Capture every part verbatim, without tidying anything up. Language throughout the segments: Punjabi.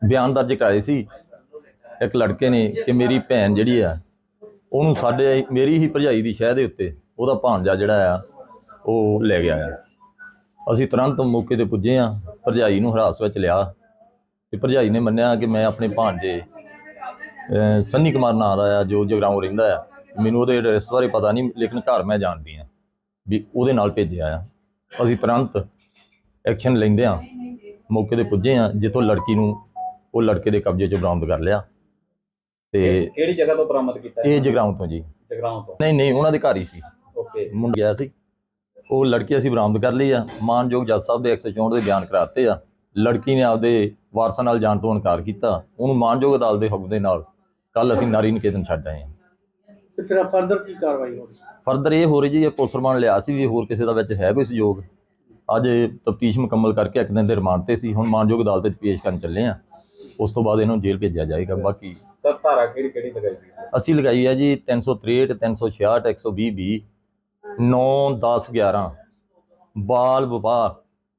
ਬਿਆਨ ਦਰਜ ਕਰਾਏ ਸੀ ਇੱਕ ਲੜਕੇ ਨੇ ਕਿ ਮੇਰੀ ਭੈਣ ਜਿਹੜੀ ਆ ਉਹਨੂੰ ਸਾਡੇ ਮੇਰੀ ਹੀ ਭਰਜਾਈ ਦੀ ਸ਼ਹਿ ਦੇ ਉੱਤੇ ਉਹਦਾ ਭਾਣਜਾ ਜਿਹੜਾ ਆ ਉਹ ਲੈ ਗਿਆ ਆ। ਅਸੀਂ ਤੁਰੰਤ ਮੌਕੇ 'ਤੇ ਪੁੱਜੇ ਹਾਂ, ਭਰਜਾਈ ਨੂੰ ਹਿਰਾਸਤ ਵਿੱਚ ਲਿਆ ਤੇ ਭਰਜਾਈ ਨੇ ਮੰਨਿਆ ਕਿ ਮੈਂ ਆਪਣੇ ਭਾਣਜੇ ਸੰਨੀ ਕੁਮਾਰ ਨਾਂ ਦਾ ਆ ਜੋ ਜਗਰਾਓਂ ਰਹਿੰਦਾ ਆ, ਮੈਨੂੰ ਉਹਦੇ ਐਡਰੈਸ ਬਾਰੇ ਪਤਾ ਨਹੀਂ ਲੇਕਿਨ ਘਰ ਮੈਂ ਜਾਣਦੀ ਹਾਂ ਵੀ ਉਹਦੇ ਨਾਲ ਭੇਜਿਆ ਆ। ਅਸੀਂ ਤੁਰੰਤ ਐਕਸ਼ਨ ਲੈਂਦੇ ਹਾਂ ਮੌਕੇ 'ਤੇ ਪੁੱਜੇ ਹਾਂ, ਜਿੱਥੋਂ ਲੜਕੀ ਨੂੰ ਉਹ ਲੜਕੇ ਦੇ ਕਬਜ਼ੇ 'ਚ ਬਰਾਮਦ ਕਰ ਲਿਆ। ਤੇ ਕਿਹੜੀ ਜਗ੍ਹਾ ਤੋਂ ਬਰਾਮਦ ਕੀਤਾ? ਇਹ ਜਗਰਾਓਂ ਤੋਂ ਜੀ। ਜਗਰਾਓਂ ਤੋਂ? ਨਹੀਂ ਨਹੀਂ, ਉਹਨਾਂ ਦੇ ਘਰ ਹੀ ਸੀ। ਓਕੇ। ਮੁੰਡਾ ਗਿਆ ਸੀ, ਉਹ ਲੜਕੀ ਅਸੀਂ ਬਰਾਮਦ ਕਰ ਲਈ ਆ। ਮਾਨਯੋਗ ਜੱਜ ਸਾਹਿਬ ਦੇ ਇੱਕ ਸੌ ਚੌਂਹਠ ਦੇ ਬਿਆਨ ਕਰਾਤੇ ਆ। ਲੜਕੀ ਨੇ ਆਪਦੇ ਵਾਰਸਾਂ ਨਾਲ ਜਾਣ ਤੋਂ ਇਨਕਾਰ ਕੀਤਾ। ਉਹਨੂੰ ਮਾਨਯੋਗ ਅਦਾਲਤ ਦੇ ਹੁਕਮ ਦੇ ਨਾਲ ਕੱਲ ਅਸੀਂ ਨਾਰੀ ਨਿਕੇਤਨ ਛੱਡ ਆਏ ਹਾਂ। ਤੇ ਫਿਰ ਫਰਦਰ ਕੀ ਕਾਰਵਾਈ ਹੋਣੀ? ਫਰਦਰ ਇਹ ਹੋ ਰਹੀ ਜੀ, ਇਹ ਪੁਲਿਸ ਰਿਮਾਂਡ ਲਿਆ ਸੀ ਵੀ ਹੋਰ ਕਿਸੇ ਦਾ ਵਿੱਚ ਹੈ ਕੋਈ ਸਹਿਯੋਗ। ਅੱਜ ਤਫਤੀਸ਼ ਮੁਕੰਮਲ ਕਰਕੇ ਇੱਕ ਦਿਨ ਦੇ ਰਿਮਾਂਡ ਤੇ ਸੀ, ਹੁਣ ਮਾਨਯੋਗ ਅਦਾਲਤ ਵਿੱਚ ਪੇਸ਼ ਕਰਨ ਚੱਲੇ ਆ। ਉਸ ਤੋਂ ਬਾਅਦ ਇਹਨੂੰ ਜੇਲ੍ਹ ਭੇਜਿਆ ਜਾਏਗਾ। ਬਾਕੀ ਸਰ ਧਾਰਾ ਕਿਹੜੀ ਕਿਹੜੀ ਲਗਾਈ ਗਈ? ਅਸੀਂ ਲਗਾਈ ਹੈ ਜੀ ਤਿੰਨ ਸੌ ਤ੍ਰੇਹਠ, ਤਿੰਨ ਸੌ ਛਿਆਹਠ, ਇੱਕ ਸੌ ਵੀਹ ਵੀਹ, ਨੌ ਦਸ ਗਿਆਰਾਂ ਬਾਲ ਵਿਵਾਹ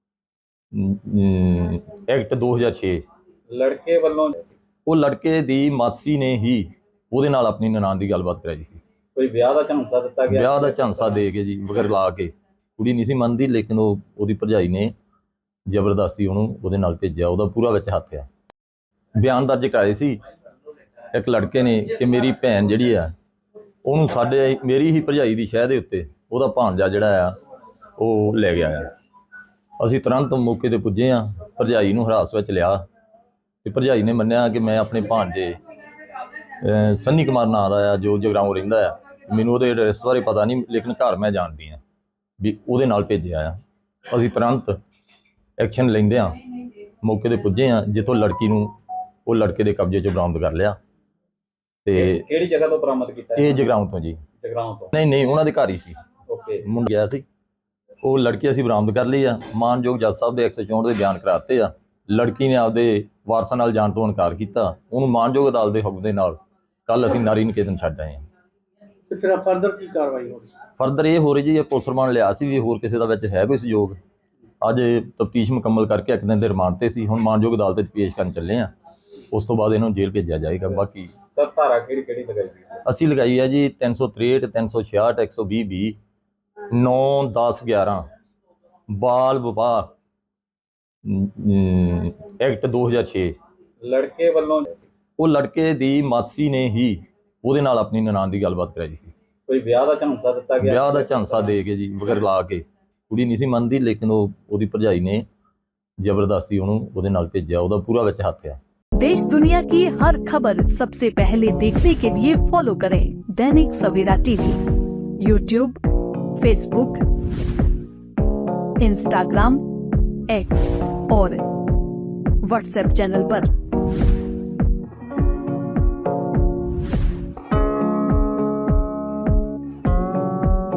ਐਕਟ ਦੋ ਹਜ਼ਾਰ ਛੇ। ਲੜਕੇ ਵੱਲੋਂ? ਉਹ ਲੜਕੇ ਦੀ ਮਾਸੀ ਨੇ ਹੀ ਉਹਦੇ ਨਾਲ ਆਪਣੀ ਨਨਾਣ ਦੀ ਗੱਲਬਾਤ ਕਰਾਈ ਸੀ। ਕੋਈ ਵਿਆਹ ਦਾ ਝਾਂਸਾ ਦਿੱਤਾ ਗਿਆ? ਵਿਆਹ ਦਾ ਝਾਂਸਾ ਦੇ ਕੇ ਜੀ, ਮਗਰ ਲਾ ਕੇ। ਕੁੜੀ ਨਹੀਂ ਸੀ ਮੰਨਦੀ ਲੇਕਿਨ ਉਹ ਉਹਦੀ ਭਰਜਾਈ ਨੇ ਜ਼ਬਰਦਸਤੀ ਉਹਨੂੰ ਉਹਦੇ ਨਾਲ ਭੇਜਿਆ। ਉਹਦਾ ਪੂਰਾ ਵਿੱਚ ਹੱਥ ਆ। ਬਿਆਨ ਦਰਜ ਕਰਾਏ ਸੀ ਇੱਕ ਲੜਕੇ ਨੇ ਕਿ ਮੇਰੀ ਭੈਣ ਜਿਹੜੀ ਆ ਉਹਨੂੰ ਸਾਡੇ ਮੇਰੀ ਹੀ ਭਰਜਾਈ ਦੀ ਸ਼ਹਿ ਦੇ ਉੱਤੇ ਉਹਦਾ ਭਾਣਜਾ ਜਿਹੜਾ ਆ ਉਹ ਲੈ ਗਿਆ ਆ। ਅਸੀਂ ਤੁਰੰਤ ਮੌਕੇ 'ਤੇ ਪੁੱਜੇ ਹਾਂ, ਭਰਜਾਈ ਨੂੰ ਹਿਰਾਸਤ ਵਿੱਚ ਲਿਆ ਤੇ ਭਰਜਾਈ ਨੇ ਮੰਨਿਆ ਕਿ ਮੈਂ ਆਪਣੇ ਭਾਣਜੇ ਸੰਨੀ ਕੁਮਾਰ ਨਾਂ ਦਾ ਆ ਜੋ ਜਗਰਾਓਂ ਰਹਿੰਦਾ ਆ, ਮੈਨੂੰ ਉਹਦੇ ਐਡਰੈਸ ਬਾਰੇ ਪਤਾ ਨਹੀਂ ਲੇਕਿਨ ਘਰ ਮੈਂ ਜਾਣਦੀ ਹਾਂ ਵੀ ਉਹਦੇ ਨਾਲ ਭੇਜਿਆ ਆ। ਅਸੀਂ ਤੁਰੰਤ ਐਕਸ਼ਨ ਲੈਂਦੇ ਹਾਂ ਮੌਕੇ 'ਤੇ ਪੁੱਜੇ ਹਾਂ, ਜਿੱਥੋਂ ਲੜਕੀ ਨੂੰ ਉਹ ਲੜਕੇ ਦੇ ਕਬਜ਼ੇ 'ਚ ਬਰਾਮਦ ਕਰ ਲਿਆ। ਤੇ ਕਿਹੜੀ ਜਗ੍ਹਾ ਤੋਂ ਬਰਾਮਦ ਕੀਤਾ? ਇਹ ਜਗਰਾਓਂ ਤੋਂ ਜੀ। ਜਗਰਾਓਂ ਤੋਂ? ਨਹੀਂ ਨਹੀਂ, ਉਹਨਾਂ ਦੇ ਘਰ ਹੀ ਸੀ। ਓਕੇ। ਮੁੰਡਾ ਗਿਆ ਸੀ, ਉਹ ਲੜਕੀ ਅਸੀਂ ਬਰਾਮਦ ਕਰ ਲਈ ਆ। ਮਾਨਯੋਗ ਜੱਜ ਸਾਹਿਬ ਦੇ ਇੱਕ ਸੌ ਚੌਂਹਠ ਦੇ ਬਿਆਨ ਕਰਾਤੇ ਆ। ਲੜਕੀ ਨੇ ਆਪਦੇ ਵਾਰਸਾਂ ਨਾਲ ਜਾਣ ਤੋਂ ਇਨਕਾਰ ਕੀਤਾ। ਉਹਨੂੰ ਮਾਨਯੋਗ ਅਦਾਲਤ ਦੇ ਹੁਕਮ ਦੇ ਨਾਲ ਕੱਲ ਅਸੀਂ ਨਾਰੀ ਨਿਕੇਤਨ ਛੱਡ ਆਏ ਹਾਂ। ਤੇ ਫਿਰ ਫਰਦਰ ਕੀ ਕਾਰਵਾਈ ਹੋਣੀ? ਫਰਦਰ ਇਹ ਹੋ ਰਹੀ ਜੀ, ਇਹ ਪੁਲਿਸ ਰਿਮਾਂਡ ਲਿਆ ਸੀ ਵੀ ਹੋਰ ਕਿਸੇ ਦਾ ਵਿੱਚ ਹੈ ਕੋਈ ਸਹਿਯੋਗ। ਅੱਜ ਤਫਤੀਸ਼ ਮੁਕੰਮਲ ਕਰਕੇ ਇੱਕ ਦਿਨ ਦੇ ਰਿਮਾਂਡ ਤੇ ਸੀ, ਹੁਣ ਮਾਨਯੋਗ ਅਦਾਲਤ ਵਿੱਚ ਪੇਸ਼ ਕਰਨ ਚੱਲੇ ਆ। ਉਸ ਤੋਂ ਬਾਅਦ ਇਹਨੂੰ ਜੇਲ੍ਹ ਭੇਜਿਆ ਜਾਏਗਾ। ਬਾਕੀ ਸਰ ਧਾਰਾ ਕਿਹੜੀ ਕਿਹੜੀ ਲਗਾਈ ਗਈ? ਅਸੀਂ ਲਗਾਈ ਹੈ ਜੀ ਤਿੰਨ ਸੌ ਤ੍ਰੇਹਠ, ਤਿੰਨ ਸੌ ਛਿਆਹਠ, ਇੱਕ ਸੌ ਵੀਹ ਵੀਹ, ਨੌ ਦਸ ਗਿਆਰਾਂ ਬਾਲ ਵਿਵਾਹ ਐਕਟ ਦੋ ਹਜ਼ਾਰ ਛੇ। ਲੜਕੇ ਵੱਲੋਂ? ਉਹ ਲੜਕੇ ਦੀ ਮਾਸੀ ਨੇ ਹੀ ਉਹਦੇ ਨਾਲ ਆਪਣੀ ਨਨਾਣ ਦੀ ਗੱਲਬਾਤ ਕਰਾਈ ਸੀ। ਕੋਈ ਵਿਆਹ ਦਾ ਝਾਂਸਾ ਦਿੱਤਾ ਗਿਆ? ਵਿਆਹ ਦਾ ਝਾਂਸਾ ਦੇ ਕੇ ਜੀ, ਮਗਰ ਲਾ ਕੇ। ਕੁੜੀ ਨਹੀਂ ਸੀ ਮੰਨਦੀ ਲੇਕਿਨ ਉਹ ਉਹਦੀ ਭਰਜਾਈ ਨੇ ਜ਼ਬਰਦਸਤੀ ਉਹਨੂੰ ਉਹਦੇ ਨਾਲ ਭੇਜਿਆ। ਉਹਦਾ ਪੂਰਾ ਵਿੱਚ ਹੱਥ ਆ। देश दुनिया की हर खबर सबसे पहले देखने के लिए फॉलो करें Dainik Savera TV, YouTube, Facebook, Instagram, X और व्हाट्सएप चैनल पर।